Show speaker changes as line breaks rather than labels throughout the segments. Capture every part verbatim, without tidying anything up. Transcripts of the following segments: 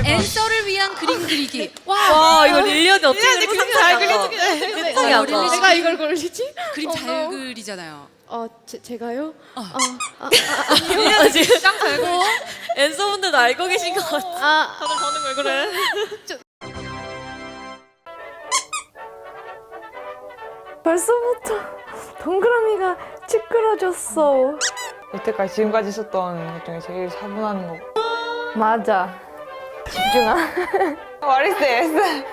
앤서를 위한 그림 그리기. 와,
와 이거 릴리언이 어떻게
릴리언이
그렇게
구상 잘
그렸어?
그려주게.
세상에
어,
아까.
릴리 씨
내가 이걸 걸리지?
그림
어,
잘
어.
그리잖아요.
어, 제, 제가요?
어.
아, 아,
릴리언 지금
짱 잘고.
앤서분들도 알고 계신 것 같아.
아,
다들 반응 왜 그래?
벌써부터 동그라미가 찌그러졌어.
여태까지 지금까지 있었던 것 중에 제일 차분한 거.
맞아. 집중하.
What is this?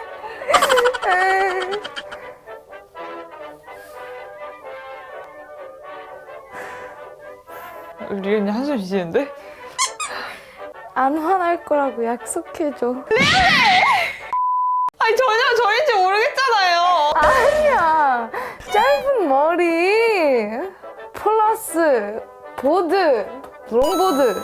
리은이 한숨 쉬시는데?
안 화날 거라고 약속해줘.
아니 전혀 저인지 모르겠잖아요.
아니야. 짧은 머리 플러스 보드 롱보드.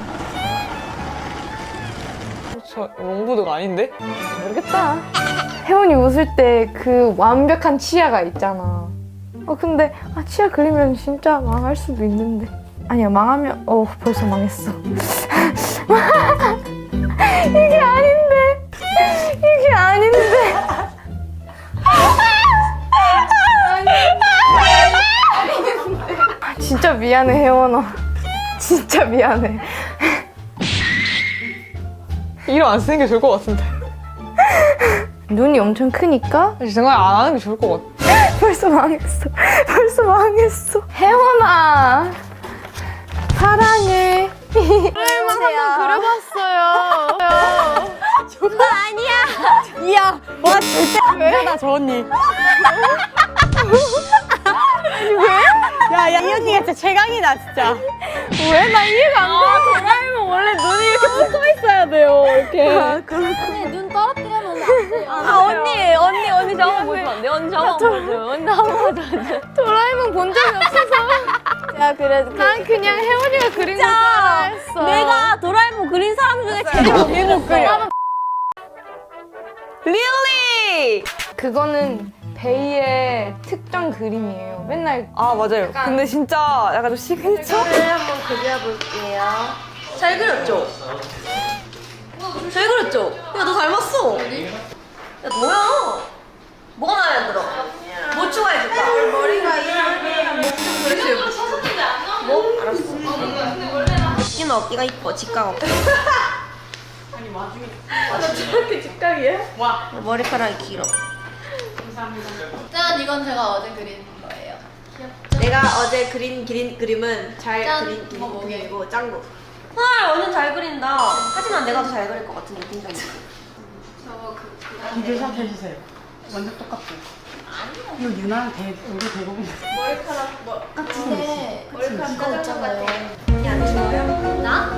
저 롱보드가 아닌데?
모르겠다. 혜원이 웃을 때 그 완벽한 치아가 있잖아. 어 근데 아, 치아 그리면 진짜 망할 수도 있는데. 아니야 망하면 어 벌써 망했어. 이게 아닌데. 이게 아닌데. 아, 진짜 미안해 혜원아. 진짜 미안해.
이름 안 쓰는 게 좋을 것 같은데.
눈이 엄청 크니까
정말 안 하는 게 좋을 것 같아.
벌써 망했어. 벌써 망했어. 혜원아 사랑해. 혜원아 한번 그려봤어요.
그거 아니야. 이야, 와 절대 안 되다 저 언니. 왜? 야야 이 언니가 진짜 최강이다 진짜.
왜? 나 이해가 안 돼.
도라에몽 원래 눈이 이렇게 붙어 있어야 돼요 이렇게.
아, 그렇구나.
눈 떨어뜨리면 안 돼요. 아 언니 언니 언니 저 한번 보시면 안 돼요? 언니 저 한번 보여줘요. 언니 한번 보여줘요.
도라에몽 본 적이 없어서. 야 그래. 난 그냥 혜원이가 그린 거 따라했어.
내가 도라에몽 그린 사람 중에 제일 못 그려. 릴리!
그거는 베이의 특정 그림이에요. 맨날
아 맞아요. 근데 진짜 약간 좀 시그니처?
한번 그려볼게요.
잘 그렸죠? 잘 그렸죠? 야 너 닮았어. 야 뭐야? 뭐가 마음에 안 들어? 뭐 추가해줄까? 머리가 이상해. 목좀 그렇게 뭐? 알았어. 어깨는 어깨가 이뻐. 직각 어깨.
저렇게 직각이야?
머리카락이 길어.
짠! 이건 제가 어제 그린 거예요.
내가 어제 그린 그린 그림은 잘
짠!
그린
이거 뭐게요?
그림이고 짱구. 헐 완전 잘 그린다. 하지만 내가 더 잘 그릴 것 같은 느낌이 있어.
저거 그, 그
이들 샵 해주세요. 완전 똑같고. 이거 유나랑 대, 우리 대부분
머리카락 뭐 근데 머리카락 이거 있잖아요.
안 추워요?
나?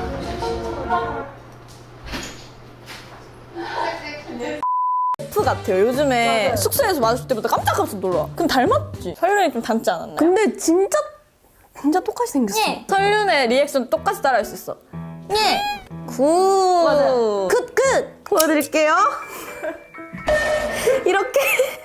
F 같아요. 요즘에 숙소에서 마주칠 때마다 깜짝깜짝 놀라. 그럼 닮았지? 설윤이 좀 닮지 않았나요? 근데 진짜 진짜 똑같이 생겼어.
예.
설윤의 리액션 똑같이 따라할 수 있어.
예.
굿.
맞아요.
굿 굿. 보여드릴게요. 이렇게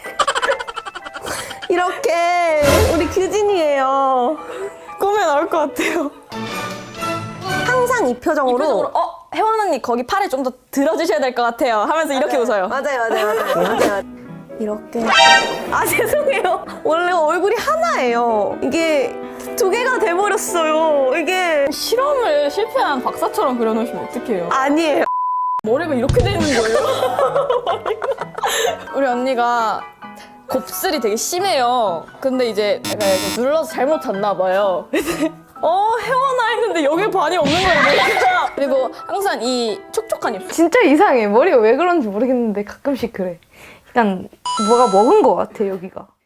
이렇게 우리 규진이에요. 꿈에 나올 것 같아요. 항상 이 표정으로,
이 표정으로,
어 혜원 언니 거기 팔에 좀 더 들어주셔야 될 것 같아요 하면서 이렇게 웃어요.
맞아요 맞아요 맞아요. 맞아요.
이렇게. 아 죄송해요. 원래 얼굴이 하나예요. 이게 두 개가 돼버렸어요. 이게 실험을 실패한 박사처럼 그려놓으시면 어떡해요? 아니에요. 머리가 이렇게 돼 있는 거예요. 우리 언니가 곱슬이 되게 심해요. 근데 이제 내가 이렇게 눌러서 잘못 잤나 봐요. 어 혜원아 했는데 여기 반이 없는 거예요. 머리가. 그리고 항상 이 촉촉한 입술.
진짜 이상해. 머리가 왜 그런지 모르겠는데 가끔씩 그래. 약간 뭐가 먹은 것 같아 여기가.